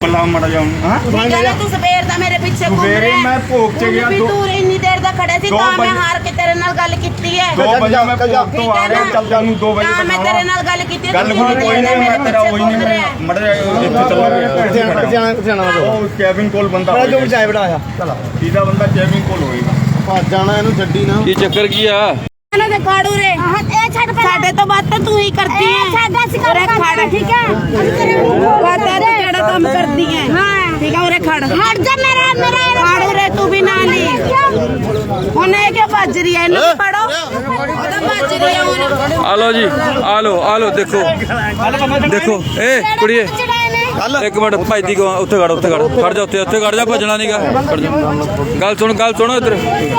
मरा जाऊं तू सवेर दा मेरे पीछे घूम रहा है। मैं भोग च गया तू इन्नी देर दा खड़े सी तां मैं हार के तेरे नाल गल कीती है। 2 बजे मैं भोग तो आ गया चल जानू 2 बजे मैं तेरे नाल गल कीती है। गल कोई नहीं मैं तेरा वही नहीं मड़ा इथे चल रहा कैबिन कोल बंदा जो चाय बनाया चला सीधा बंदा कैबिन कोल होएगा ਭੱਜ ਜਾਣਾ ਇਹਨੂੰ ਛੱਡੀ ਨਾ ਕੀ ਚੱਕਰ ਕੀ ਆ ਦੇ ਕਾੜੂ ਰੇ ਸਾਡੇ ਤੋਂ ਬਾਤ ਤਾਂ ਤੂੰ ਹੀ ਕਰਦੀ ਹੈ। ਸਾਡਾ ਸਿਕਾਰ ਖੜ ਠੀਕ ਹੈ ਪਤਾ ਤੇ ਕਿਹੜਾ ਕੰਮ ਕਰਦੀ ਹੈ। ਹਾਂ ਠੀਕ ਹੈ ਉਰੇ ਖੜ ਹਟ ਜਾ ਮੇਰਾ ਕਾੜੂ ਰੇ ਤੂੰ ਵੀ ਨਾ ਲਈ ਉਹਨੇ ਕਿ ਭੱਜ ਰਹੀ ਹੈ ਇਹਨੂੰ ਫੜੋ ਉਹਦਾ ਭੱਜ ਰਹੀ ਹੈ ਉਹਨੇ ਆ ਲੋ ਜੀ ਆ ਲੋ ਦੇਖੋ ਏ ਕੁੜੀਏ ਇੱਕ ਮਿੰਟ ਭੱਜਦੀ ਕੋ ਉੱਥੇ ਖੜ ਜਾ ਉੱਥੇ ਖੜ ਜਾ ਭੱਜਣਾ ਨਹੀਂਗਾ ਗੱਲ ਸੁਣ ਇੱਧਰ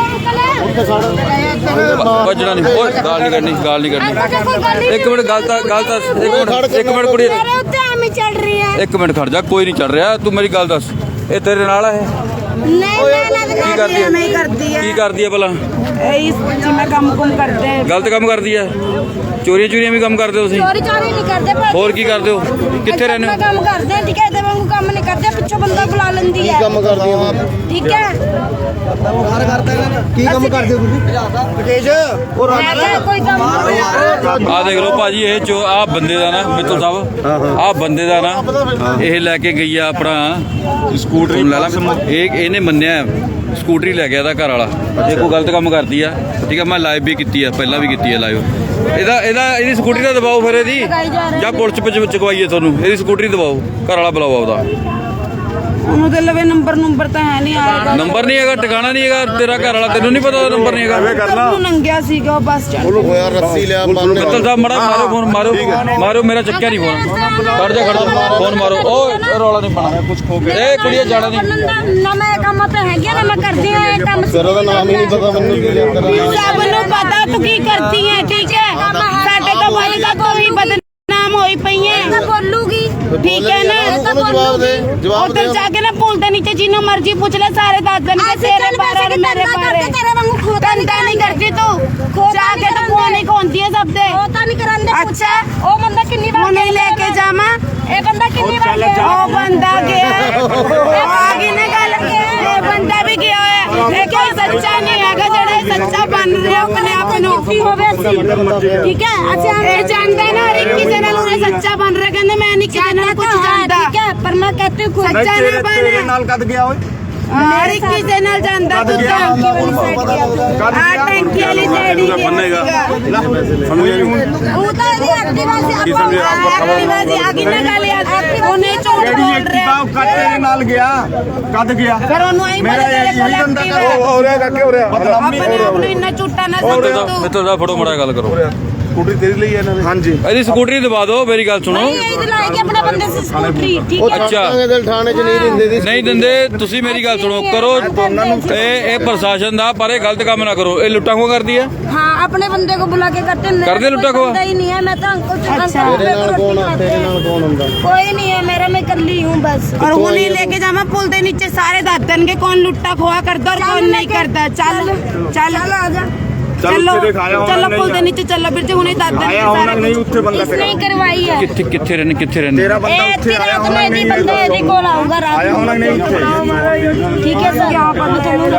ਭੱਜਣਾ ਨਹੀਂ ਓਏ ਗਾਲ ਨਹੀਂ ਕਰਨੀ ਇੱਕ ਮਿੰਟ ਗੱਲ ਤਾਂ ਇੱਕ ਮਿੰਟ ਕੁੜੀਏ ਇੱਕ ਮਿੰਟ ਖੜ ਜਾ ਕੋਈ ਨਹੀਂ ਚੱਲ ਰਿਹਾ ਤੂੰ ਮੇਰੀ ਗੱਲ ਦੱਸ ਇਹ ਤੇਰੇ ਨਾਲ ਹੈ ਕੀ ਕਰਦੀ ਹੈ ਭਲਾ ਜਿਵੇਂ ਕੰਮ ਕਰਦੇ ਹੈ ਗਲਤ ਕੰਮ ਕਰਦੀ ਹੈ ਚੋਰੀਆਂ ਵੀ ਕੰਮ ਕਰਦੇ ਹੋ ਤੁਸੀਂ ਚੋਰੀ ਨਹੀਂ ਕਰਦੇ ਹੋਰ ਕੀ ਕਰਦੇ ਹੋ ਕਿੱਥੇ ਰਹਿੰਦੇ ਹੋ ਕੰਮ ਕਰਦੇ ਠੀਕ ਹੈ ਤੇ ਵਾਂਗੂ ਕੰਮ ਨਹੀਂ ਕਰਦੇ ਪਿੱਛੋਂ ਬੰਦਾ ਬੁਲਾ ਲੈਂਦੀ ਹੈ ਕੰਮ ਕਰਦੀ ਆ ਠੀਕ ਹੈ ਕੀ ਕੰਮ ਕਰਦੇ ਹੋ ਤੁਸੀਂ ਤੇਜ ਉਹ ਕੋਈ ਕੰਮ ਆ ਦੇਖ ਲਓ ਭਾਜੀ ਇਹ ਜੋ ਆ ਬੰਦੇ ਦਾ ਨਾ ਮਿੱਤਲ ਸਾਹਿਬ ਆ ਬੰਦੇ ਦਾ ਨਾ ਇਹ ਲੈ ਕੇ ਗਈ ਆ ਆਪਣਾ ਸਕੂਟਰੀ ਲੈ ਲਾ ਇਹਨੇ ਮੰਨਿਆ ਸਕੂਟਰੀ ਲੈ ਗਿਆ ਇਹਦਾ ਘਰ ਵਾਲਾ ਇਹ ਕੋਈ ਗਲਤ ਕੰਮ ਕਰਦੀ ਆ ਠੀਕ ਆ ਮੈਂ ਲਾਈਵ ਵੀ ਕੀਤੀ ਆ ਪਹਿਲਾਂ ਵੀ ਕੀਤੀ ਆ ਲਾਈਵ ਇਹਦੀ ਸਕੂਟਰੀ ਦਾ ਦਬਾਓ ਫਿਰ ਇਹਦੀ ਜਾਂ ਪੁਲਿਸ ਵਿੱਚ ਚੁਕਵਾਈਏ ਤੁਹਾਨੂੰ ਇਹਦੀ ਸਕੂਟਰੀ ਦਬਾਓ ਘਰ ਵਾਲਾ ਬੁਲਾਓ ਆਪਦਾ ਉਹਨੂੰ ਤੇ ਲਵੇ ਨੰਬਰ ਤਾਂ ਹੈ ਨਹੀਂ ਆਏਗਾ ਨੰਬਰ ਨਹੀਂ ਹੈਗਾ ਟਿਕਾਣਾ ਨਹੀਂ ਹੈਗਾ ਤੇਰਾ ਘਰ ਵਾਲਾ ਤੈਨੂੰ ਨਹੀਂ ਪਤਾ ਉਹਦਾ ਨੰਬਰ ਨਹੀਂ ਹੈਗਾ ਤੂੰ ਨੰਗਿਆ ਸੀਗਾ ਬੱਸ ਸਟੈਂਡ ਉਹਨੂੰ ਹੋਇਆ ਰੱਸੀ ਲਿਆ ਮਿੱਤਲ ਸਾਹਿਬ ਮੜਾ ਮਾਰੋ ਫੋਨ ਮਾਰੋ ਮੇਰਾ ਚੱਕਿਆ ਨਹੀਂ ਫੋਨ ਖੜ ਜਾ ਫੋਨ ਮਾਰੋ ਓਏ ਰੌਲਾ ਨਹੀਂ ਪਾਣਾ ਕੁਝ ਖੋ ਗਿਆ ਇਹ ਕੁੜੀਏ ਜਾਣਾ ਨਹੀਂ ਨਾ ਮੈਂ ਕੰਮ ਤੇ ਹੈਗੀ ਨਾ ਮੈਂ ਕਰਦੀ ਹਾਂ ਇਹ ਕੰਮ ਤੇਰਾ ਦਾ ਨਾਮ ਹੀ ਨਹੀਂ ਪਤਾ ਮੈਨੂੰ ਕੀ ਸਭ ਨੂੰ ਪਤਾ ਤੂੰ ਕੀ ਕਰਦੀ ਹੈ ਠੀਕ ਹੈ ਸਾਡੇ ਤੋਂ ਬਾਈ ਦਾ ਕੋਈ ਬਦਨਾਮ ਹੋਈ ਪਈ ਹੈ ਬੋਲੂਗੀ ਠੀਕ ਹੈ ਨਾ ਜਵਾਬ ਦੇ ਉਧਰ ਜਾ ਕੇ ਨਾ ਪੁੱਲ ਦੇ ਨੀਚੇ ਜਿੰਨੂੰ ਮਰਜੀ ਪੁੱਛ ਲੈ ਸਾਰੇ ਦੱਸ ਦੇਣਗੇ ਤੇਰੇ ਬਾਰੇ ਔਰ ਮੇਰੇ ਬਾਰੇ ਧੰਦਾ ਨਹੀਂ ਕਰਦੀ ਤੂੰ ਜਾ ਕੇ ਤਾਂ ਫੋਨ ਹੀ ਖੋਂਦੀ ਹੈ ਸਭ ਦੇ ਉਹ ਤਾਂ ਨਹੀਂ ਕਰਾਂਦੇ ਅੱਛਾ ਉਹ ਬੰਦਾ ਕਿੰਨੀ ਵਾਰ ਨਹੀਂ ਲੈ ਕੇ ਜਾਵਾਂ ਇਹ ਬੰਦਾ ਕਿੰਨੀ ਵਾਰ ਗਿਆ ਉਹ ਬੰਦਾ ਗਿਆ ਆ ਗਈ ਨਾ ਗੱਲ ਇਹ ਬੰਦਾ ਵੀ ਗਿਆ ਹੋਇਆ ਇਹ ਕੋਈ ਸੱਚਾ ਨਹੀਂ ਹੈਗਾ ਜਿਹੜਾ ਸੱਚਾ ਬਣ ਰਿਹਾ ਆਪਣੇ ਆਪ ਨੂੰ ਹੋਵੇ ਠੀਕ ਹੈ ਅੱਛਾ ਇਹ ਜਾਣਦਾ ਨਾ ਹਰ ਇੱਕ ਕਿਸੇ ਨਾਲ ਉਹ ਸੱਚਾ ਬਣ ਰਿਹਾ ਕਹਿੰਦੇ ਮੈਂ ਨਹੀਂ ਕਿਸੇ ਨਾਲ ਕੁਝ ਜਾਣਦਾ ਠੀਕ ਹੈ ਪਰ ਮੈਂ ਕਹਤੀ ਖੁਦ ਸੱਚਾ ਨਾ ਬਣ ਨਾਲ ਕਦ ਗਿਆ ਓਏ ਹਰ ਇੱਕ ਕਿਸੇ ਨਾਲ ਜਾਂਦਾ ਤੂੰ ਤਾਂ ਟੈਂਕੀ ਵਾਲੀ ਜਿਹੜੀ ਉਹ ਤਾਂ ਇਹਦੀ ਐਕਟਿਵਾ ਸੀ ਐਕਟਿਵਾ ਸੀ ਆਗੀ ਨਾ ਗੱਲ ਉਹਨੇ ਝੂਠ ਬੋਲ ਰਿਹਾ ਤੇਰੇ ਨਾਲ ਗਿਆ ਕਦ ਗਿਆ ਫਿਰ ਉਹਨੂੰ ਆਈ ਮੇਰਾ ਮੇਰੇ ਕੋਲ ਐਕਟਿਵਾ ਹੋ ਰਿਹਾ ਕਾਕੇ ਹੋ ਰਿਹਾ ਆਪਣੇ ਆਪ ਨੂੰ ਇੰਨਾ ਝੂਠਾ ਨਾ ਸਮਝ ਤੂੰ ਮਿੱਤਲ ਸਾਹਿਬ ਫੜੋ ਮੜਾ ਗੱਲ ਕਰੋ ਸਕੂਟਰੀ ਤੇਰੀ ਲਈ ਇਹਨਾਂ ਨੇ ਹਾਂਜੀ ਇਹਦੀ ਸਕੂਟਰੀ ਦਬਾ ਦਿਓ ਮੇਰੀ ਗੱਲ ਸੁਣੋ ਨਹੀਂ ਇਹ ਲਾਈ ਕੇ ਆਪਣੇ ਬੰਦੇ ਸੀ ਸਕੂਟਰੀ ਠੀਕ ਹੈ ਅੱਛਾ ਦਿਲ ਥਾਣੇ ਚ ਨਹੀਂ ਦਿੰਦੇ ਦੀ ਨਹੀਂ ਦਿੰਦੇ ਤੁਸੀਂ ਮੇਰੀ ਗੱਲ ਸੁਣੋ ਕਰੋ ਇਹ ਪ੍ਰਸ਼ਾਸਨ ਦਾ ਪਰ ਇਹ ਗਲਤ ਕੰਮ ਨਾ ਕਰੋ ਇਹ ਲੁੱਟਾਂ ਖੋਹ ਕਰਦੀ ਹੈ हाँ अपने बंदे को बुला के करते हैं कर दे लुट्टा खो ही नहीं है मैं तो अंकल ਤੇਰੇ ਨਾਲ ਕੌਣ ਹੁੰਦਾ कोई नहीं है मेरा मैं कर ली हूँ बस और वो नहीं लेके जावा पुल दे नीचे सारे दस दिन के कौन लुट्टा खोआ करता और कौन नहीं करता चल चल आजा चलो चलो पुल दे नीचे चलो फिर जो उन्हें दस दिन ਆਇਆ ਉਹਨਾਂ ਨਹੀਂ ਉੱਥੇ ਬੰਦਾ नहीं करवाई है ਕਿੱਥੇ ਰਹਿੰਦੇ ਤੇਰਾ ਬੰਦਾ ਉੱਥੇ ਆਇਆ रात में नहीं बंदे यदि कॉल आऊंगा रात ਆਇਆ ਉਹਨਾਂ ਨੇ ਉੱਥੇ ठीक है सर यहाँ पर मैं तुम्हें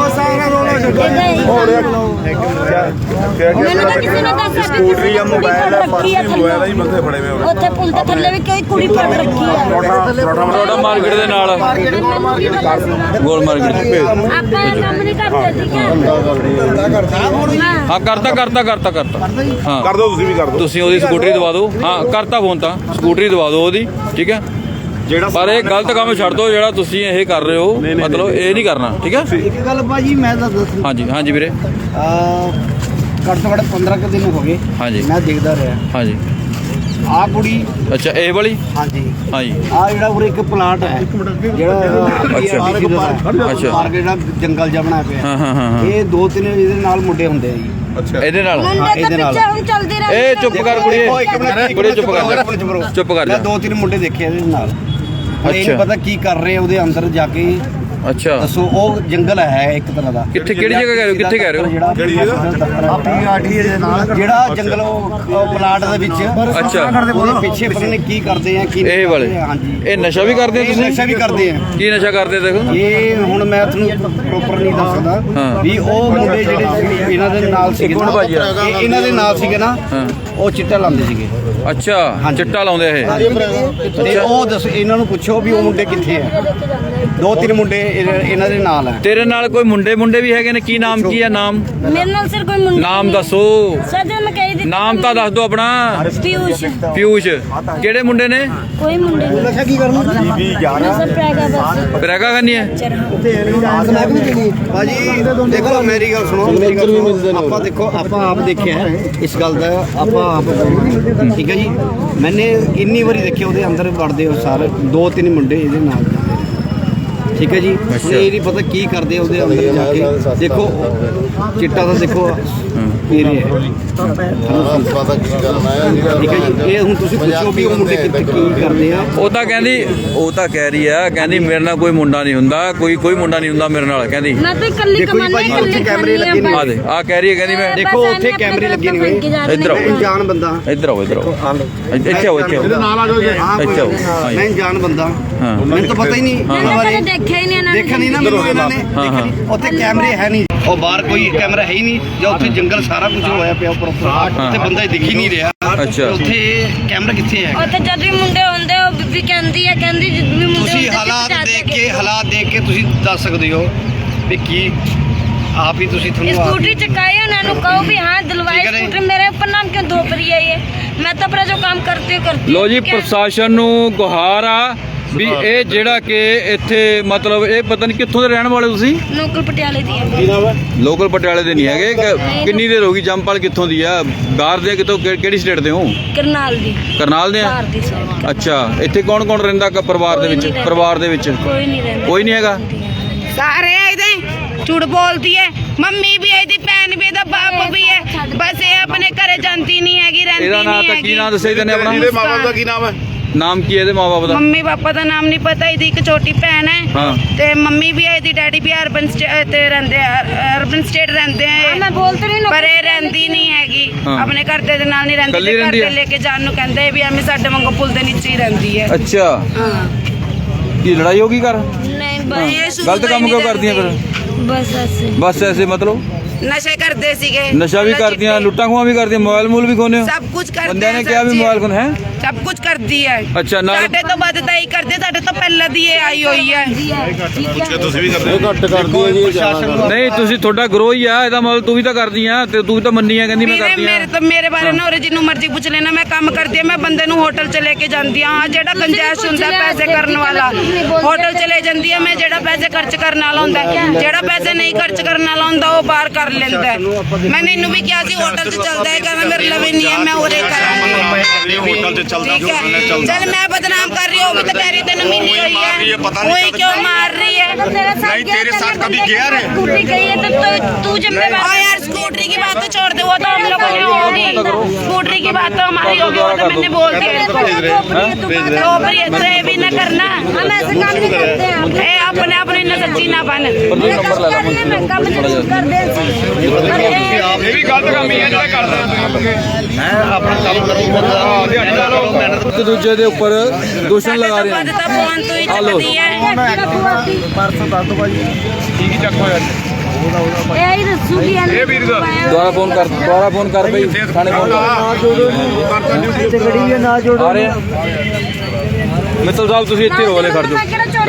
ਮੈਨੂੰ ਤਾਂ ਕਿਸੇ ਨੇ ਦੱਸਿਆ ਕਿ ਸਕੂਟਰੀ ਜਾਂ ਮੋਬਾਈਲ ਹੈ ਪਰਸ ਵੀ ਮੋਬਾਈਲ ਹੀ ਬੰਦੇ ਫੜੇ ਹੋਏ ਉੱਥੇ ਪੁਲ ਦੇ ਥੱਲੇ ਵੀ ਕੋਈ ਕੁੜੀ ਫੜ ਰੱਖੀ ਹੈ ਰੋਡਾ ਮਾਰਕੀਟ ਦੇ ਨਾਲ ਗੋਲ ਮਾਰਕੀਟ ਆਪਾਂ ਇਹ ਕੰਮ ਨਹੀਂ ਕਰਦੇ ਠੀਕ ਹੈ ਹਾਂ ਕਰਤਾ ਹਾਂ ਕਰ ਦੋ ਤੁਸੀਂ ਵੀ ਕਰ ਦੋ ਤੁਸੀਂ ਉਹਦੀ ਸਕੂਟਰੀ ਦਵਾ ਦਿਓ ਹਾਂ ਕਰਤਾ ਫੋਨ ਤਾਂ ਸਕੂਟਰੀ ਦਵਾ ਦਿਓ ਉਹਦੀ ਠੀਕ ਹੈ ਜਿਹੜਾ ਪਰ ਇਹ ਗਲਤ ਕੰਮ ਛੱਡ ਦਿਓ ਜਿਹੜਾ ਤੁਸੀਂ ਇਹ ਕਰ ਰਹੇ ਹੋ ਮਤਲਬ ਇਹ ਨਹੀਂ ਕਰਨਾ ਠੀਕ ਹੈ ਇੱਕ ਗੱਲ ਭਾਜੀ ਮੈਂ ਤਾਂ ਦੱਸ ਹਾਂਜੀ ਵੀਰੇ ਘੱਟ ਤੋਂ ਘੱਟ 15 ਕੁ ਦਿਨ ਹੋ ਗਏ ਹਾਂਜੀ ਮੈਂ ਦੇਖਦਾ ਰਿਹਾ ਹਾਂਜੀ ਆਹ ਕੁੜੀ ਅੱਛਾ ਇਹ ਵਾਲੀ ਹਾਂਜੀ ਹਾਂਜੀ ਆਹ ਜਿਹੜਾ ਉਰੇ ਇੱਕ ਪਲਾਂਟ ਹੈ ਜਿਹੜਾ ਅੱਛਾ ਪਾਰਕ ਜਿਹੜਾ ਜੰਗਲ ਜਿਹਾ ਬਣਾਇਆ ਪਿਆ ਹਾਂ ਇਹ 2-3 ਇਹਦੇ ਨਾਲ ਮੁੰਡੇ ਹੁੰਦੇ ਆ ਜੀ ਇਹਦੇ ਨਾਲ ਇਹਦੇ ਨਾਲ ਹੁਣ ਚੱਲਦੀ ਰਹੀ ਇਹ ਚੁੱਪ ਕਰ ਕੁੜੀਏ ਚੁੱਪ ਕਰ ਮੈਂ ਜਾ 2-3 ਮੁੰਡੇ ਦੇਖੇ ਇਹਦੇ ਨਾਲ ਹੁਣ ਇਹ ਨਹੀਂ ਪਤਾ ਕੀ ਕਰ ਰਹੇ ਆ ਉਹਦੇ ਅੰਦਰ ਜਾ ਕੇ ਅੱਛਾ ਦੱਸੋ ਉਹ ਜੰਗਲ ਹੈ ਇੱਕ ਤਰ੍ਹਾਂ ਦਾ। ਕਿੱਥੇ ਕਿਹੜੀ ਜਗ੍ਹਾ ਕਹਿ ਰਹੇ ਹੋ ਕਿੱਥੇ ਕਹਿ ਰਹੇ ਹੋ ਜਿਹੜਾ ਜੰਗਲ ਉਹ ਪਲਾਟ ਦੇ ਵਿੱਚ ਅੱਛਾ ਉਹਦੇ ਪਿੱਛੇ ਪਤਾ ਨਹੀਂ ਕੀ ਕਰਦੇ ਆ ਕੀ ਇਹ ਵਾਲੇ ਹਾਂਜੀ ਇਹ ਨਸ਼ਾ ਵੀ ਕਰਦੇ ਹੋ ਇਹ ਤੁਸੀਂ ਨਸ਼ਾ ਵੀ ਕਰਦੇ ਆ। ਕੀ ਨਸ਼ਾ ਕਰਦੇ ਦੇਖੋ ਇਹ ਹੁਣ ਮੈਂ ਤੁਹਾਨੂੰ ਪ੍ਰੋਪਰ ਨਹੀਂ ਦੱਸ ਸਕਦਾ ਹਾਂ। ਵੀ ਉਹ ਮੁੰਡੇ ਜਿਹੜੇ ਇਹਨਾਂ ਦੇ ਨਾਲ ਸੀਗੇ ਨਾ ਇਹਨਾਂ ਦੇ ਨਾਲ ਸੀਗੇ ਨਾ ਹਾਂ ਉਹ ਚਿੱਟਾ ਲਾਉਂਦੇ ਸੀਗੇ ਅੱਛਾ ਚਿੱਟਾ ਲਾਉਂਦੇ ਇਹ ਤੇ ਉਹ ਦੱਸ ਇਹਨਾਂ ਨੂੰ ਪੁੱਛੋ ਵੀ ਉਹ ਮੁੰਡੇ ਕਿੱਥੇ ਆ। 2-3 ਮੁੰਡੇ ਇਹਨਾਂ ਦੇ ਨਾਲ ਆ। ਤੇਰੇ ਨਾਲ ਕੋਈ ਮੁੰਡੇ ਵੀ ਹੈਗੇ ਨੇ ਕੀ ਨਾਮ ਕੀ ਹੈ ਨਾਮ ਮੇਰੇ ਨਾਲ ਸਿਰ ਕੋਈ ਮੁੰਡਾ ਨਾਮ ਦੱਸੋ ਸਜਾ ਮੈਂ ਕਹੀ ਦਿੱਤਾ ਨਾਮ ਤਾਂ ਦੱਸ ਦਿਓ ਆਪਣਾ ਪਿਊਸ਼ ਪਿਊਸ਼ ਕਿਹੜੇ ਮੁੰਡੇ ਨੇ ਕੋਈ ਮੁੰਡੇ ਨਹੀਂ ਨਸ਼ਾ ਕੀ ਕਰਨਾ ਨਸ਼ਾ ਪੈਗਾ ਬਸ ਬਰੇਗਾ ਕਰਨੀ ਹੈ ਭਾਜੀ ਦੇਖੋ ਮੇਰੀ ਗੱਲ ਸੁਣੋ ਮੇਰੀ ਗੱਲ ਸੁਣੋ ਆਪਾਂ ਦੇਖੋ ਆਪਾਂ ਆਪ ਦੇਖਿਆ ਹੈ ਇਸ ਗੱਲ ਦਾ ਆਪਾਂ ਆਪ ਠੀਕ ਹੈ ਜੀ ਮੈਨੇ ਇੰਨੀ ਵਾਰੀ ਦੇਖਿਆ ਉਹਦੇ ਅੰਦਰ ਵੜਦੇ ਹੋ ਸਾਰੇ 2-3 ਮੁੰਡੇ ਇਹਦੇ ਨਾਲ ਠੀਕ ਹੈ ਜੀ ਹੁਣ ਇਹ ਨਹੀਂ ਪਤਾ ਕੀ ਕਰਦੇ ਆ ਉਹਦੇ ਅੰਦਰ ਜਾ ਕੇ ਦੇਖੋ ਚਿੱਟਾ ਤਾਂ ਦੇਖੋ ਪੀ ਰਹੇ ਹੈ ਠੀਕ ਹੈ ਜੀ ਇਹ ਹੁਣ ਤੁਸੀਂ ਪੁੱਛੋ ਵੀ ਉਹ ਮੁੰਡੇ ਕਿੱਥੇ ਕੀ ਕਰਦੇ ਆ। ਉਹ ਤਾਂ ਕਹਿ ਰਹੀ ਆ ਕਹਿੰਦੀ ਮੇਰੇ ਨਾਲ ਕੋਈ ਮੁੰਡਾ ਨਹੀਂ ਹੁੰਦਾ ਕੋਈ ਮੁੰਡਾ ਨਹੀਂ ਹੁੰਦਾ ਮੇਰੇ ਨਾਲ ਕਹਿੰਦੀ ਮੈਂ ਤਾਂ ਇਕੱਲੀ ਦੇਖੋ ਜੀ ਭਾਜੀ ਕਮਾਨੀ ਉੱਥੇ ਕੈਮਰੇ ਲੱਗੇ ਨੇ ਆ ਦੇ ਆ ਕਹਿ ਰਹੀ ਹੈ ਕਹਿੰਦੀ ਮੈਂ ਦੇਖੋ ਉੱਥੇ ਕੈਮਰੇ ਲੱਗੇ ਨੇ ਇੱਧਰ ਆਓ। ਮੈਂ ਅਣਜਾਣ ਬੰਦਾ ਇੱਧਰ ਆਓ ਇੱਥੇ ਆਓ ਇੱਥੇ ਆਓ ਇੱਥੇ ਆਓ ਮੈਂ ਅਣਜਾਣ ਬੰਦਾ ਹਾਂ। ਮੈਨੂੰ ਤਾਂ ਪਤਾ ਹੀ ਨਹੀਂ ਇਹਨਾਂ ਬਾਰੇ ਦੇਖਿਆ ਹੀ ਨਹੀਂ ਇਹਨਾਂ ਦੇਖਿਆ ਨਹੀਂ ਨਾ ਮੈਨੂੰ ਇਹਨਾਂ ਨੇ ਹਾਂ, ਹਾਂ। ਉੱਥੇ ਕੈਮਰੇ ਹੈ ਨਹੀਂ ਉਹ ਬਾਹਰ ਕੋਈ ਕੈਮਰਾ ਹੈ ਹੀ ਨਹੀਂ ਜਾਂ ਉੱਥੇ ਜੰਗਲ ਸਾਰਾ ਕੁਝ ਹੋਇਆ ਪਿਆ ਉੱਪਰ ਉੱਥੇ ਬੰਦਾ ਦਿਖ ਹੀ ਨਹੀਂ ਰਿਹਾ ਅੱਛਾ। ਉੱਥੇ ਕੈਮਰਾ ਕਿੱਥੇ ਹੈ। ਉੱਥੇ ਜਦ ਵੀ ਮੁੰਡੇ ਹੁੰਦੇ ਉਹ ਬੀਬੀ ਕਹਿੰਦੀ ਵੀ ਮੁੰਡੇ ਤੁਸੀਂ ਹਾਲਾਤ ਦੇਖ ਕੇ ਤੁਸੀਂ ਦੱਸ ਸਕਦੇ ਹੋ ਵੀ ਕੀ ਆਪ ਹੀ ਤੁਸੀਂ ਤੁਹਾਨੂੰ स्कूटी चकाई उन्होंने कहो भी हाँ दिलवाई ठीक है नहीं? स्कूटर मेरे ऊपर नाम क्यों धोप रही है ये मैं तो अपना जो काम करती हूँ ਲੋ ਜੀ ਪ੍ਰਸ਼ਾਸਨ ਨੂੰ ਗੁਹਾਰ ਆ ਵੀ ਇਹ ਜਿਹੜਾ ਕਿ ਇੱਥੇ ਮਤਲਬ ਇਹ ਪਤਾ ਨਹੀਂ ਕਿੱਥੋਂ ਦੇ ਰਹਿਣ ਵਾਲੇ ਤੁਸੀਂ लोकल पटियाले दी है ਲੋਕਲ ਪਟਿਆਲੇ ਦੇ ਨਹੀਂ ਹੈਗੇ ਕਿੰਨੀ ਦੇਰ ਹੋ ਗਈ ਜੰਪਲ ਕਿੱਥੋਂ ਦੀ ਆ ਬਾਹਰ ਦੇ ਕਿੱਥੋਂ ਕਿਹੜੀ ਸਟੇਟ ਦੇ ਹੋ करनाल दी ਕਰਨਾਲ ਦੇ ਆ बाहर दी साइड ਅੱਛਾ ਇੱਥੇ ਕੌਣ ਕੌਣ ਰਹਿੰਦਾ ਪਰਿਵਾਰ ਦੇ ਵਿੱਚ कोई नहीं रहता ਕੋਈ ਨਹੀਂ ਹੈਗਾ सारे ਇਹਦੇ ਝੂਠ ਬੋਲਦੀ ਹੈ ਮੰਮੀ ਵੀ ਇਹਦੀ ਭੈਣ ਵੀ ਇਹਦਾ ਬਾਪ ਵੀ ਹੈ ਬਸ ਇਹ ਆਪਣੇ ਘਰੇ ਜਾਂਦੀ ਨਹੀਂ ਹੈਗੀ ਰਹਿੰਦੀ ਇਹਦਾ ਨਾਮ ਨਹੀਂ ਤਾਂ ਕੀ ਨਾਮ ਦੱਸਿਆ ਇਹਦੇ ਨੇ ਆਪਣਾ ਮਾਪੇ ਦਾ ਕੀ ਨਾਮ ਹੈ ਨਾਮ ਕੀ ਹੈ ਇਹਦੇ ਮਾਪੇ ਦਾ ਮੰਮੀ ਪਾਪਾ ਦਾ ਨਾਮ ਨਹੀਂ ਪਤਾ ਇਹਦੀ ਇੱਕ ਛੋਟੀ ਭੈਣ ਹੈ ਹਾਂ ਤੇ ਮੰਮੀ ਵੀ ਹੈ ਇਹਦੀ ਡੈਡੀ ਵੀ ਅਰਬਨ ਤੇ ਰਹਿੰਦੇ ਆ ਅਰਬਨ ਸਟੇਟ ਰਹਿੰਦੇ ਆ ਮੈਂ ਬੋਲਦੀ ਨਹੀਂ ਪਰ ਇਹ ਰਹਿੰਦੀ ਨਹੀਂ ਹੈਗੀ ਹਾਂ। ਆਪਣੇ ਘਰ ਦੇ ਨਾਲ ਨਹੀਂ ਰਹਿੰਦੀ ਇਕੱਲੀ ਤੇ ਘਰ ਰਹਿੰਦੀ ਦੇ ਹੈ? ਲੈ ਕੇ ਜਾਣ ਨੂੰ ਕਹਿੰਦੇ ਵੀ ਐਵੇਂ ਸਾਡੇ ਵਾਂਗੂ ਪੁੱਲ ਦੇ ਨੀਚੇ ਹੀ ਰਹਿੰਦੀ ਹੈ ਅੱਛਾ ਹਾਂ ਕੀ ਲੜਾਈ ਹੋ ਗਈ ਘਰ ਨਹੀਂ ਬਸ ਗਲਤ ਕੰਮ ਕਿਉਂ ਕਰਦੀਆਂ ਫਿਰ ਬਸ ਐਸੇ ਬਸ ਐਸੇ ਮਤਲਬ ਨਸ਼ੇ ਕਰਦੇ ਸੀਗੇ ਨਸ਼ਾ ਵੀ ਕਰਦੀਆਂ ਲੁੱਟਾਂ ਖੋਹਾਂ ਵੀ ਕਰਦੀਆਂ ਮੋਬਾਈਲ ਮੂਲ ਵੀ ਖੋਨੇ ਸਭ ਕੁਝ ਕਰਦੇ ਬੰਦਿਆਂ ਨੇ ਕਿਹਾ ਵੀ ਮੋਬਾਈਲ ਖੋਨ ਹੈ ਸਭ ਕੁਝ ਕਰਦੀ ਹੈ ਅੱਛਾ ਨਾਲ ਸਾਡੇ ਤੋਂ ਵੱਧ ਤਾਂ ਹੀ ਕਰਦੇ ਸਾਡੇ ਤੋਂ ਪਹਿਲਾਂ ਦੀ ਇਹ ਆਈ ਹੋਈ ਹੈ ਤੁਸੀਂ ਵੀ ਕਰਦੇ ਘੱਟ ਕਰਦੀ ਹੈ ਜੀ ਨਹੀਂ ਤੁਸੀਂ ਤੁਹਾਡਾ ਗਰੋਹ ਹੀ ਆ ਇਹਦਾ ਮਤਲਬ ਤੂੰ ਵੀ ਤਾਂ ਕਰਦੀ ਆ ਤੇ ਤੂੰ ਵੀ ਤਾਂ ਮੰਨੀ ਆ ਕਹਿੰਦੀ ਮੈਂ ਕਰਦੀ ਆ ਮੇਰੇ ਬਾਰੇ ਨਾ ਜਿਹਨੂੰ ਮਰਜ਼ੀ ਪੁੱਛ ਲੈਣਾ ਮੈਂ ਕੰਮ ਕਰਦੀ ਆ ਮੈਂ ਬੰਦੇ ਨੂੰ ਹੋਟਲ ਚ ਲੈ ਕੇ ਜਾਂਦੀ ਆ ਜਿਹੜਾ ਕੰਜੈਸ਼ ਹੁੰਦਾ ਪੈਸੇ ਕਰਨ ਵਾਲਾ ਹੋਟਲ ਚ ਲੈ ਜਾਂਦੀ ਆ ਮੈਂ ਜਿਹੜਾ ਪੈਸੇ ਖਰਚ ਕਰਨ ਵਾਲਾ ਹੁੰਦਾ ਜਿਹੜਾ ਪੈਸੇ ਨਹੀਂ ਖਰਚ ਕਰਨ ਵਾਲਾ ਹੁੰਦਾ ਉਹ ਬਾਹਰ ਕਰ ਲੈਂਦਾ ਮੈਂ ਇਹਨੂੰ ਵੀ ਕਿਹਾ ਸੀ ਹੋਟਲ ਚ ਚੱਲਦਾ ਹੈ ਕਹਿੰਦਾ ਮੇਰੇ ਲਵੇ ਨਹੀਂ ਹੈ ਮੈਂ ਉਰੇ ਕਰਾਂਗੀ ਹੋਟਲ ਤੇ ਚੱਲਦਾ ਠੀਕ ਹੈ ਚਲ ਮੈਂ ਬਦਨਾਮ ਕਰ ਰਹੀ ਹूँ तो तेरी तेन मिली हुई है वही क्यों मार रही है नहीं तेरे साथ कभी गया रे स्कूटरी गई है तो तू जिम्मेवार यार स्कूटरी की बात तो छोड़ दे वो तो हम लोगों ने होगी स्कूटरी की बात तो हमारी होगी वो तो मैंने बोल दिया भी न करना हम ऐसे काम नहीं करते हैं अपने अपने न सच्ची ना बन ਇਹ ਵੀ ਗਲਤ ਕੰਮ ਹੀ ਹੈ ਜਿਹੜਾ ਕਰਦਾ ਮੈਂ ਆਪਣਾ ਕੰਮ ਕਰੂੰਗਾ ਇੱਕ ਦੂਜੇ ਦੇ ਉੱਪਰ ਦੋਸ਼ਣ ਲਗਾ ਰਹੇ तो फोन तो ही चलती है ਪਰਸੋਂ ਦੱਸ ਦੋ ਭਾਜੀ ਠੀਕ ਹੀ ਚੱਕ ਹੋਇਆ यही रसूली है ਇਹ ਵੀਰ ਦਾ ਦੁਬਾਰਾ ਫੋਨ ਕਰ ਬਈ ਥਾਣੇ ਫੋਨ ਗੜੀ ਨਾ ਜੋੜੋ ਆ ਰਹੇ ਆ ਮਿੱਤਲ ਸਾਹਿਬ ਤੁਸੀਂ ਇੱਥੇ ਰੋਲੇ ਖੜ ਜਾਓ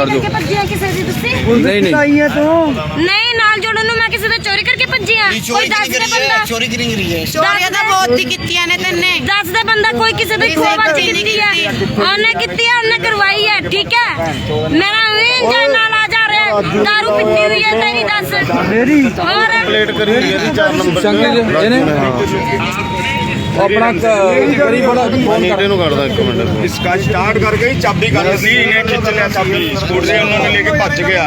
ਨਹੀਂ ਨਹੀਂ ਆਈਆਂ ਤੂੰ नहीं नाल जोड़न ਨੂੰ ਮੈਂ ਕਿਸੇ ਤੋਂ ਚੋਰੀ ਕਰਕੇ ਭੱਜੀ ਆ ਕੋਈ ਦੱਸ ਦੇ ਬੰਦਾ ਚੋਰੀ ਕਿਉਂ ਨਹੀਂ ਰਹੀ ਹੈ ਚੋਰੀਆਂ ਤਾਂ ਬਹੁਤ ਹੀ ਕੀਤੀਆਂ ਨੇ ਤੈਨੇ ਦੱਸ ਦੇ ਬੰਦਾ ਕੋਈ ਕਿਸੇ ਦੀ ਖੋਬਾਜ਼ੀ ਕੀਤੀ ਹੈ ਉਹਨੇ ਕੀਤੀ ਹੈ ਉਹਨੇ ਕਰਵਾਈ ਹੈ ਠੀਕ ਹੈ ਮੇਰਾ ਵੀ ਨਾਲ ਆ ਜਾ ਰਿਹਾ ਦਾਰੂ ਪੀਤੀ ਹੋਈ ਹੈ ਤੇਰੀ ਦੱਸ ਮੇਰੀ ਹੋਰ ਪਲੇਟ ਕਰੀ ਹੋਈ ਹੈ 4 ਨੰਬਰ ਚੰਗੇ ਜਿਹੇ ਇਹਨੇ ਆਪਣਾ ਕਰੀ ਬੜਾ ਫੋਨ ਕਰ ਇਹਨੂੰ ਕੱਢਦਾ ਇੱਕ ਮਿੰਟ इसका स्टार्ट करके ही चाबी कर दी इन्हें खींच लिया चाबी स्कूटर से उन्होंने लेके भज गया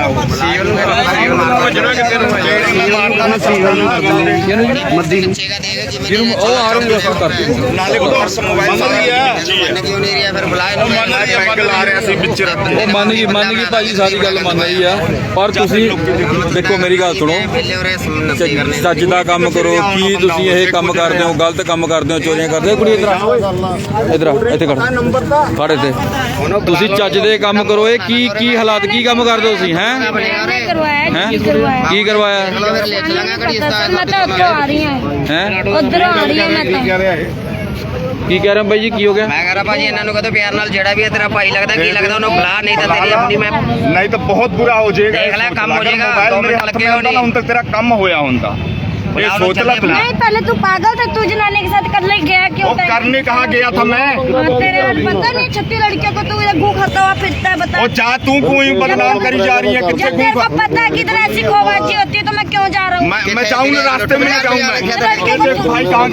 ਮੱਦੀ ਨੂੰ ਜਿਹਨੂੰ ਉਹ ਆ ਰਹੇ ਨੇ ਕਰਤੀ नाले को और मोबाइल ਕਿਉਂ ਨਹੀਂ ਰਿਹਾ ਫਿਰ ਬੁਲਾਇਆ पैग ला रहे सी बिच रखते ਉਹ ਮੰਨ ਗਈ ਭਾਜੀ ਸਾਰੀ ਗੱਲ ਮੰਨ ਰਹੀ ਆ ਪਰ ਤੁਸੀਂ ਦੇਖੋ ਮੇਰੀ ਗੱਲ ਸੁਣੋ ਚੱਜ ਦਾ ਕੰਮ ਕਰੋ ਕੀ ਤੁਸੀਂ ਇਹ ਕੰਮ ਕਰਦੇ ਹੋ ਗਲਤ ਕੰਮ ਕਰਦੇ ਹੋ ਚੋਰੀਆਂ ਕਰਦੇ ਹੋ ਕੁੜੀ ਇਧਰ ਇੱਥੇ ਖੜ ਖੜ ਇੱਥੇ ਤੁਸੀਂ ਚੱਜ ਦੇ ਕੰਮ ਕਰੋ ਇਹ ਕੀ ਹਾਲਾਤ ਕੀ ਕੰਮ ਕਰਦੇ ਹੋ ਤੁਸੀਂ ਹੈ करवाया ਕੀ ਕਰਵਾਇਆ मैं तो उधर आ रही हूँ ਹੈ उधर आ रही हूँ मैं तो ਕੀ ਕਹਿ ਰਹੇ ਹੋ ਬਾਈ ਜੀ ਕੀ ਹੋ ਗਿਆ ਮੈਂ ਕਹ ਰਿਹਾ ਭਾਜੀ ਇਹਨਾਂ ਨੂੰ ਕਹੋ ਪਿਆਰ ਨਾਲ ਜਿਹੜਾ ਵੀ ਹੈ ਤੇਰਾ ਭਾਈ ਲੱਗਦਾ ਕੀ ਲੱਗਦਾ ਉਹਨੂੰ ਬੁਲਾ ਨਹੀਂ ਤਾਂ ਤੇਰੀ ਆਪਣੀ मैं नहीं तो बहुत बुरा हो जाएगा देख ले, कम हो जाएगा, मोबाइल 2 मेरे मिनट हाथ लगे में हो होता ना नहीं। उन तक तेरा कम होया होता ये बुलाओ, सोच ला चलिए, तू बुलाओ। नहीं पहले तू पागल था तू जनाने के साथ कर ले गया क्यों वो करने कहाँ गया था मैं तेरे पता नहीं 36 लड़कियों को तू इधर घू खाता हुआ फिरता है बता वो जा तू कोई बदनाम करी जा रही है जब कितने तेरे को पता है कि इधर ऐसी खोबाजी होती है तो मैं क्यों जा रहा हूँ मैं जाऊँ ना रास्ते में जाऊँ मैं भाई कहाँ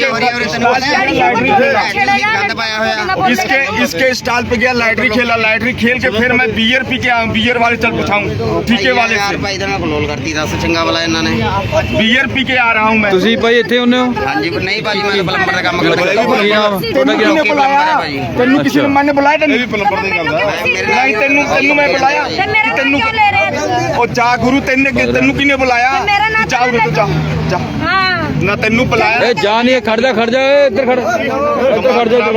गया इसके स्टॉल पे गया लाइटरी खेला लाइटरी खेल के फिर मैं बियर पी के आऊँ बियर वाले चल पूछाऊँ ठीके वाले ਯਾਰ से ਭਾਈ ਦਾ ਮੈਂ ਕਲੋਲ ਕਰਤੀ ਦੱਸ ਚੰਗਾ ਵਾਲਾ ਇਹਨਾਂ ਨੇ बियर पी के आ रहा हूँ मैं ਤੁਸੀਂ ਭਾਈ ਇੱਥੇ ਹੁੰਨੇ ਹੋ ਹਾਂਜੀ ਪਰ ਨਹੀਂ ਭਾਜੀ ਮੈਂ ਪਲੰਬਰ ਦਾ ਕੰਮ ਕਰਦਾ ਕੀ ਨਾਮ ਤੁਹਾਡਾ ਕੀ ਨਾਮ किसने बुलाया तेनू किसी ने मैंने बुलाया तेनू नहीं तेनू मैं बुलाया मेरा नाम क्यों ले रहे हैं ओ जा गुरु तेने तेनू किने बुलाया मेरा नाम जा गुरु तू जा जा हाँ ना तेनू बुलाया ए जा नहीं खड़ जा ਇੱਧਰ ਖੜ ਇੱਧਰ ਖੜ ਜਾ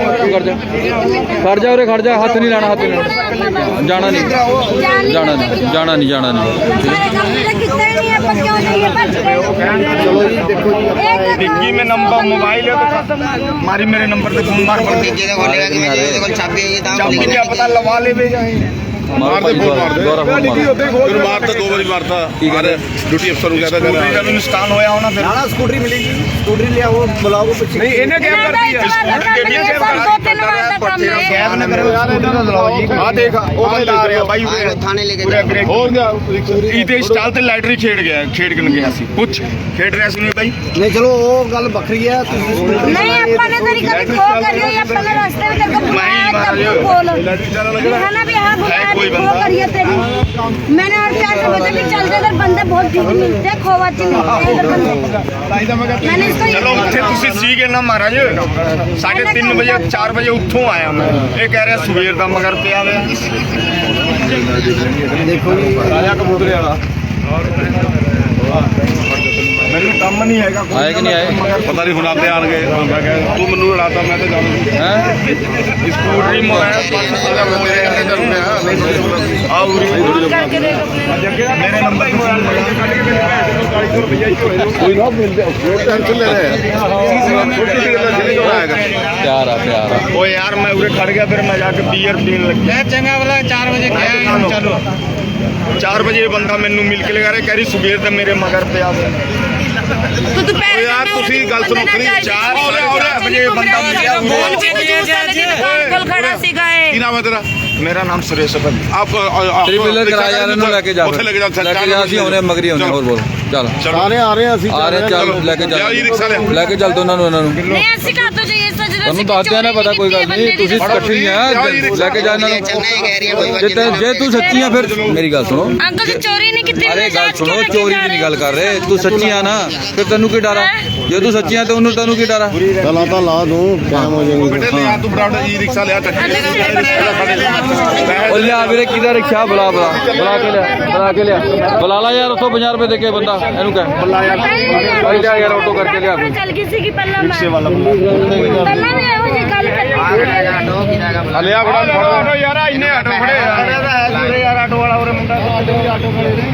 ਖੜ ਜਾ ਉਰੇ ਖੜ ਜਾ ਹੱਥ ਨਹੀਂ ਲਾਣਾ ਹੱਥ ਨਹੀਂ ਲਾਣਾ ਜਾਣਾ ਨਹੀਂ ਜਾਣਾ ਨਹੀਂ हमारे काम में कितना ही नहीं है पर क्यों नहीं है बच गए ਚਲੋ ਜੀ ਦੇਖੋ ਜੀ डिग्गी में नंबर मोबाइल है तो मारी मेरे नंबर पे घूम मार पड़ती ਤੀਜੇ ਦਾ ਖੋਲੇਗਾ ਕਿ ਮੇਰੇ ਇਹਦੇ ਕੋਲ ਚਾਬੀ ਹੈਗੀ ਤਾਂ चाबी क्या पता लवा ले बे ਮਾਰ ਭਾਈ ਦੁਆਰਾ ਫੋਨ ਮਾਰ ਮਾਰਤਾ 2 ਵਾਰੀ ਮਾਰਤਾ ਕੀ ਕਹਿੰਦੇ ਡਿਊਟੀ ਅਫਸਰ ਨੂੰ ਕਹਿੰਦਾ स्कूटरी का भी नुकसान होया होना फिर ਨਾ ਸਕੂਟਰੀ ਮਿਲੇਗੀ ਸਕੂਟਰੀ ਲਿਆਓ ਬੁਲਾਓ ਪਿੱਛੇ नहीं इन्हें क्या कर दिया स्कूटरी के क्या कर 2-3 बार का काम है कैब ने मेरे स्कूटर का चलाओ जी हां देखा ओ बंदा आ रहा भाई ਆਹ ਥਾਣੇ ਲੈ ਕੇ पूरा ਜਾਓ ग्रेक ਹੋਰ ਗਿਆ ਇਹਦੇ ਸਟਾਲ ਤੇ ਲਾਈਟਰੀ ਖੇਡ ਗਿਆ ਸੀ ਪੁੱਛ ਖੇਡ ਰਿਹਾ ਸੀ ਨਹੀਂ ਬਾਈ ਨਹੀਂ ਚਲੋ ਉਹ ਗੱਲ ਵੱਖਰੀ ਹੈ ਤੁਸੀਂ ਸਕੂਟਰੀ नहीं अपने तेरी कभी खो करी है अपने रास्ते में तेरे को बुलाया तब तू बोल है ना भी हाँ बुलाया कोई भी खो बंदा। करी है तेरी मैंने और क्या कर बता भी चलते इधर बंदे बहुत ठीक मिलते हैं खोवाची मिलते हैं इधर बंदे मैंने इसको ਚਲੋ ਉੱਥੇ ਤੁਸੀਂ ਸੀਗੇ ਨਾ ਮਹਾਰਾਜ 3:30 ਵਜੇ 4 ਵਜੇ ਉੱਥੋਂ ਆਇਆ ਮੈਂ ਇਹ ਕਹਿ ਰਿਹਾ ਸਵੇਰ ਦਾ ਮਗਰ ਪਿਆ ਵੇ ਦੇਖੋ ਜੀ ਰਾਜਾ ਕਬੂਤਰੇ ਵਾਲਾ ਮੈਨੂੰ ਕੰਮ ਨਹੀਂ ਹੈਗਾ ਕੋਈ। ਆਏ ਕਿ ਨਹੀਂ ਆਏ ਪਤਾ ਨਹੀਂ ਹੁਣ ਆਪੇ ਆਣਗੇ ਤੂੰ ਮੈਨੂੰ ਲੜਾਤਾ ਮੈਂ ਤਾਂ ਜਾਣੂ ਹੈ ਸਕੂਟਰੀ ਮੋਬਾਈਲ ਮੇਰੇ ਨੰਬਰ ਹੀ ਮੋਬਾਈਲ ਕੱਢ ਕੇ ਮੇਰੇ 450 ਰੁਪਏ ਹੀ ਹੋਏ ਕੋਈ ਨਾ ਮਿਲਦੇ ਟੈਨਸ਼ਨ ਲੈ ਰਿਹਾ ਛੋਟੀ ਜਿਹੀ ਗੱਲ ਜਿਹੜੀ ਕੋਲ ਆਏਗਾ ਪਿਆਰ ਆ ਓ ਯਾਰ ਮੈਂ ਉਰੇ ਖੜ ਗਿਆ ਫਿਰ ਮੈਂ ਜਾ ਕੇ ਬੀਅਰ ਪੀਣ ਲੱਗਿਆ ਚੰਗਾ ਵਾਲਾ 4 ਵਜੇ ਗਿਆ ਚਲੋ 4 ਵਜੇ ਇਹ ਬੰਦਾ ਮੈਨੂੰ ਮਿਲ ਕੇ ਲਗਾ ਰਿਹਾ ਕਹਿ ਰਹੀ ਸਵੇਰ ਦਾ ਮੇਰੇ ਮਗਰ ਪਿਆ तो तू ਓ ਯਾਰ ਤੁਸੀਂ ਗੱਲ ਸੁਣੋ ਖਰੀ 4 ਵਜੇ ਬੰਦਾ ਮਿਲਿਆ कल खड़ा सीखा ਕੀ ਨਾਮ ਹੈ ਤੇਰਾ ਮੇਰਾ ਨਾਮ ਸੁਰੇਸ਼ ਹੈ ਭਾਈ ਆਪ ਤੇਰੀ ਬਿਲਰ ਕਰਾ ਯਾਰ ਇਹਨੂੰ ਲੈ ਕੇ ਜਾ ਉੱਥੇ ਲੈ ਕੇ ਜਾ ਅਸੀਂ ਆਉਨੇ ਮਗਰੀ ਆਉਨੇ ਹੋਰ ਬੋਲ ਚੱਲ ਸਾਰੇ ਆ ਰਹੇ ਅਸੀਂ ਆ ਰਹੇ ਚੱਲ ਲੈ ਕੇ ਲਿਆਓ ਜੀ ਰਿਕਸ਼ਾ ਲਿਆਓ। ਲੈ ਕੇ ਚੱਲ ਦੋਨਾਂ ਨੂੰ ਇਹਨਾਂ ਨੂੰ नहीं ऐसे कहा तो चाहिए सच ਤੁਹਾਨੂੰ ਦੱਸਦਿਆਂ ਨਾ ਪਤਾ ਕੋਈ ਗੱਲ ਨਹੀਂ ਤੁਸੀਂ ਇਕੱਠੀ ਆ ਲੈ ਕੇ ਜਾ ਇਹਨਾਂ ਨੂੰ ਚੰਗਾ ਹੀ ਕਹਿ ਰਹੀ ਹੈ ਕੋਈ ਜੇ ਤੂੰ ਸੱਚੀ ਆ ਫਿਰ ਮੇਰੀ ਗੱਲ ਸੁਣੋ अंकल जी चोरी नहीं की ਅਰੇ ਗੱਲ ਸੁਣੋ ਚੋਰੀ ਦੀ ਨਹੀਂ ਗੱਲ ਕਰ ਰਹੇ ਤੂੰ ਸੱਚੀ ਆ ਨਾ ਫਿਰ ਤੈਨੂੰ ਕੀ ਡਰ ਆ ਜੇ ਤੂੰ ਸੱਚੀ ਆ ਤੇ ਉਹਨੂੰ ਤੈਨੂੰ ਕੀ ਡਰ ਆ ਚਲਾ ਤਾਂ ਲਾ ਦੂੰ ਕਾਇਮ ਹੋ ਜਾਏਗੀ ਬੇਟੇ ਲਿਆ ਤੂੰ ਬਰਾਬਰ ਜੀ ਰਿਕਸ਼ਾ ਲਿਆ ਉਹ ਲਿਆ ਵੀਰੇ ਕਿਹਦਾ ਰਿਕਸ਼ਾ ਬੁਲਾ ਕੇ ਲਿਆ ਬੁਲਾ ਲਾ ਯਾਰ ਉੱਥੋਂ 50 ਰੁਪਏ ਦੇ ਕੇ ਬੰਦਾ ਇਹਨੂੰ ਕਹਿ ਭਾਈ ਲਿਆ ਯਾਰ ਆਟੋ ਕਰਕੇ ਲਿਆ ਕੋਈ चल किसी की पल्ला पल्ला में वो जी गल कर ਲਿਆ ਬੜਾ ਆਟੋ ਯਾਰ ਇੰਨੇ ਆਟੋ ਖੜੇ ਯਾਰ ਆਟੋ ਵਾਲਾ ਉਰੇ ਮੁੰਡਾ ਆਟੋ ਖੜੇ ਨੇ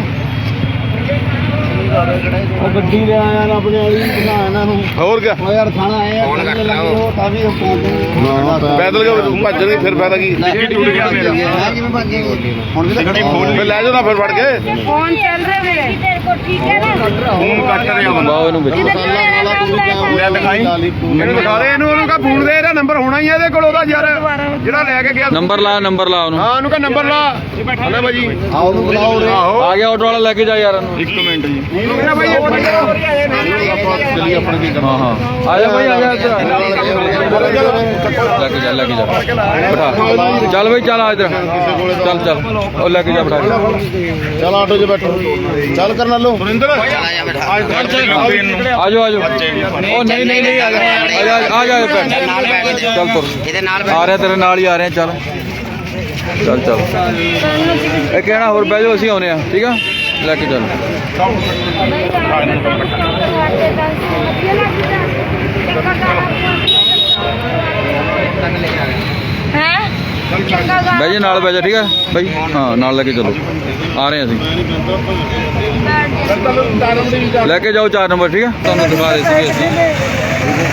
ਉਹ ਗੱਡੀ ਲੈ ਆਇਆ ਨਾ ਆਪਣੇ ਵਾਲੀ ਬਣਾ ਇਹਨਾਂ ਨੂੰ ਹੋਰ ਕਿਆ ਉਹ ਯਾਰ ਖਾਣਾ ਆਇਆ ਫੋਨ ਕੱਟ ਲਾ ਉਹ। ਤਾਂ ਵੀ ਪੈਦਲ ਕੇ ਭੱਜਣਗੇ ਫਿਰ ਫਾਇਦਾ ਕੀ ਟਿੱਕੀ ਟੁੱਟ ਗਿਆ ਮੇਰਾ ਕਿਵੇਂ ਭੱਜੇ ਹੁਣ ਵੀ ਟਿੱਕੀ ਖੋਲ ਫਿਰ ਲੈ ਜਾਓ ਨਾ ਫਿਰ ਫੜ ਕੇ फोन चल रहे हैं तेरे को ठीक है ना ਫੋਨ ਕੱਟ ਰਿਹਾ ਬੰਦਾ ਬਾਓ ਇਹਨੂੰ ਵਿੱਚ इधर मेरा नाम ਲੈ ਦਿਖਾਈ ਇਹਨੂੰ ਦਿਖਾ ਦੇ ਇਹਨੂੰ ਉਹਨੂੰ ਕਾ ਫੋਨ ਦੇ ਇਹਦਾ ਨੰਬਰ ਹੋਣਾ ਹੀ ਇਹਦੇ ਕੋਲ ਉਹਦਾ ਯਾਰ ਜਿਹੜਾ ਲੈ ਕੇ ਗਿਆ ਨੰਬਰ ਲਾ ਉਹਨੂੰ ਹਾਂ ਉਹਨੂੰ ਕਾ ਨੰਬਰ ਲਾ ਹਲੇ ਭਾਜੀ ਆਓ ਨੂੰ ਬੁਲਾਓ ਰੇ ਆਹੋ ਆ ਗਿਆ ਆਟੋ ਵਾਲਾ ਲੈ ਕੇ ਜਾ ਯਾਰ ਇਹਨੂੰ ਇੱਕ ਮਿੰਟ ਜੀ ਜਾ ਬਾਈ ਹਾਂ ਹਾਂ ਆ ਜਾ ਭਾਈ ਆ ਜਾ ਇੱਧਰ ਲੈ ਕੇ ਜਾ ਬਿਠਾ ਚੱਲ ਬਈ ਚੱਲ ਆ ਇੱਧਰ ਚੱਲ ਉਹ ਲੈ ਕੇ ਜਾ ਬਿਠਾ ਚੱਲ ਆਟੋ 'ਚ ਬੈਠੋ ਚੱਲ ਕਰਨ ਲੋ ਸੁਰਿੰਦਰ ਆ ਜਾਓ ਉਹ ਨਹੀਂ ਆ ਜਾ ਬੈਠ ਚੱਲ ਤੁਰ ਇਹਦੇ ਨਾਲ ਆ ਰਿਹਾ ਤੇਰੇ ਨਾਲ ਹੀ ਆ ਰਹੇ ਚੱਲ ਇਹ ਕਹਿਣਾ ਹੋਰ ਬਹਿ ਜਾਓ ਅਸੀਂ ਆਉਨੇ ਆ ਠੀਕ ਆ ਲੈ ਕੇ ਚੱਲ ਬਹਿ ਜਾ ਨਾਲ ਬਹਿ ਜਾ ਠੀਕ ਆ ਬਾਈ ਹਾਂ ਨਾਲ ਲੈ ਕੇ ਚਲੋ ਆ ਰਹੇ ਅਸੀਂ ਲੈ ਕੇ ਜਾਓ 4 ਨੰਬਰ ਠੀਕ ਆ ਤੁਹਾਨੂੰ ਦਿਖਾ ਰਹੇ ਸੀਗੇ ਅਸੀਂ